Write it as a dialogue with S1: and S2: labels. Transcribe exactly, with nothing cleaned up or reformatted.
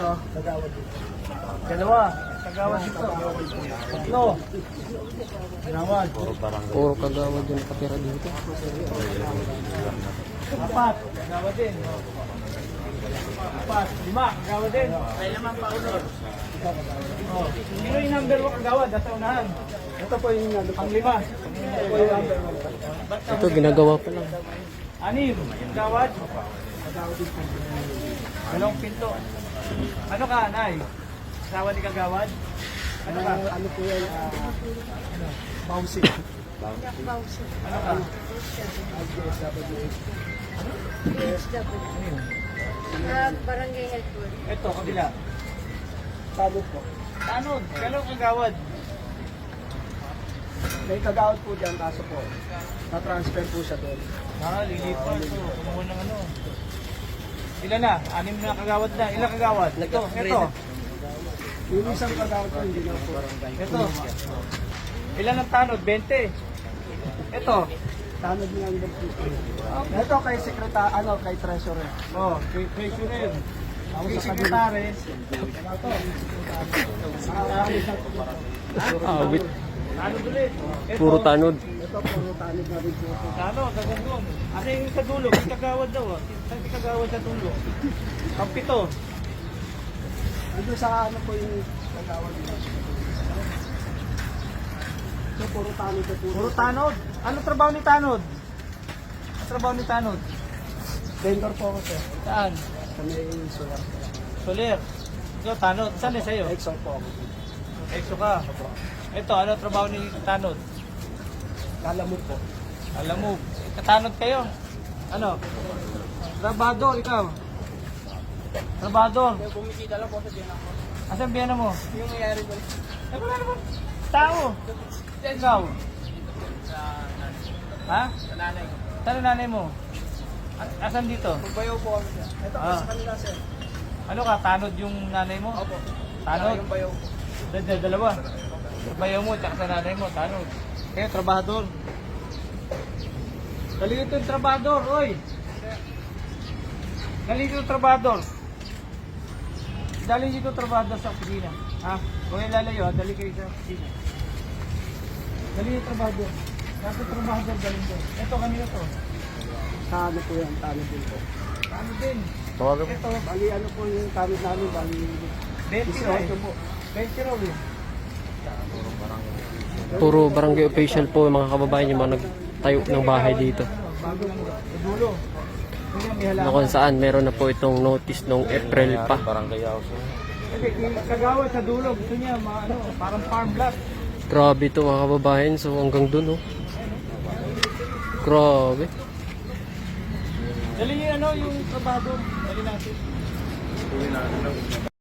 S1: Ito, kagawad dito. Dalawa, kagawad dito. Tatlo. Kagawad.
S2: Puro kagawad yung nakatira dito.
S1: Apat, kagawad din. Apat, lima, kagawad din. May lamang pa unod. Oh. Sino yung number one kagawad? Nasa unahan. Ito po yung ang lima. Ito po yung number one.
S2: Ito, ginagawa pa lang.
S1: Anim, kagawad. Dalawang pinto. Ano ka, Nay? Asawa ni kagawad? Ano ka? Ano po yan? Ano? Bausi.
S3: Bausi.
S1: Ano ka?
S3: Ah, barangay health board.
S1: Ito, kabila.
S4: Tanod po.
S1: Tanod, kalong kagawad.
S4: May kagawad po dyan, kaso po, na-transfer po siya doon.
S1: Ah, lilipat. So, kumuha ng ano. Ilan na? Anim na kagawad na. Ilang kagawad? Ito, ito.
S4: Yung isang kagawad po, hindi na po.
S1: Ito. Ilan ang tanod? twenty. Ito.
S4: Tanod niya ang po. Ito kay sekretary, ano, kay treasurer.
S1: Oh, kay treasurer.
S4: Ako
S1: Kay
S4: sa kabila.
S1: secretary.
S4: Ito, yung sekretary.
S2: Ah, wait.
S1: Tanod ulit. Ito.
S2: Puro tanod.
S4: Ito, puro tanod na rin po.
S1: Tanod, nagandun. Ano yung sa dulo? Yung kagawad daw. ah. Saan yung kagawad sa dulo? Kampito.
S4: Dito sa ano po yung kagawad niya. Ito, puro tanod na po.
S1: Puro tanod. Ano trabaho ni tanod? Ano trabaho ni tanod?
S4: Vendor po ako, sir.
S1: Saan?
S4: Sa may solar.
S1: Soler. Ikaw, tanod. Saan eh sa'yo?
S4: Exxon po ako.
S1: Exo ka. Ito, ano trabaho ni tanod?
S4: Kalamog po.
S1: Alam mo, katanod kayo. Ano? Trabador, ikaw. Trabador.
S4: Bumikita lang po sa dyan ako.
S1: Asan biyana mo?
S4: Yung nangyari po.
S1: Eh, wala naman. Tao. Ikaw. Ha?
S4: Sa nanay ko.
S1: Saan ang nanay mo? A- Asan dito?
S4: Magbayaw po ako, sir. Ito po
S1: Ah.
S4: sa kanila, sir.
S1: Ano ka? Tanod yung nanay mo?
S4: Opo.
S1: Tanod?
S4: Yung bayaw po.
S1: Dal- dal- Dalawa. Bayaw mo, tsaka sa nanay mo, tanod. Kaya, trabador. Dali dito yung trabador, oy! Dali dito yung trabador. Dali dito yung trabador sa opisina. Ha? Kung yung lalayo, ha? Dali kayo sa opisina. Dali yung trabador. Nasa trabador, dali doon. Ito, kanina to.
S4: Sa ano po yan, tanod din po.
S1: Tanod din.
S2: Tawagan
S1: Ito,
S4: Bali ano po yung tanod namin, bali
S1: twenty raw eh.
S4: eighteen po.
S1: twenty raw eh.
S2: Puro barangay official po yung mga kababayan yung mga nagtayo ng bahay dito.
S1: Bago lang sa dulo. Kaya may
S2: Na
S1: halaman.
S2: kung saan meron na po itong notice nung April pa.
S1: Kasi kagawad sa dulo, gusto niya ma, ano, parang farm lot.
S2: Grabe to mga kababayan. So hanggang dun oh. Grabe.
S1: Dali yung ano, yung trabador. Dali natin.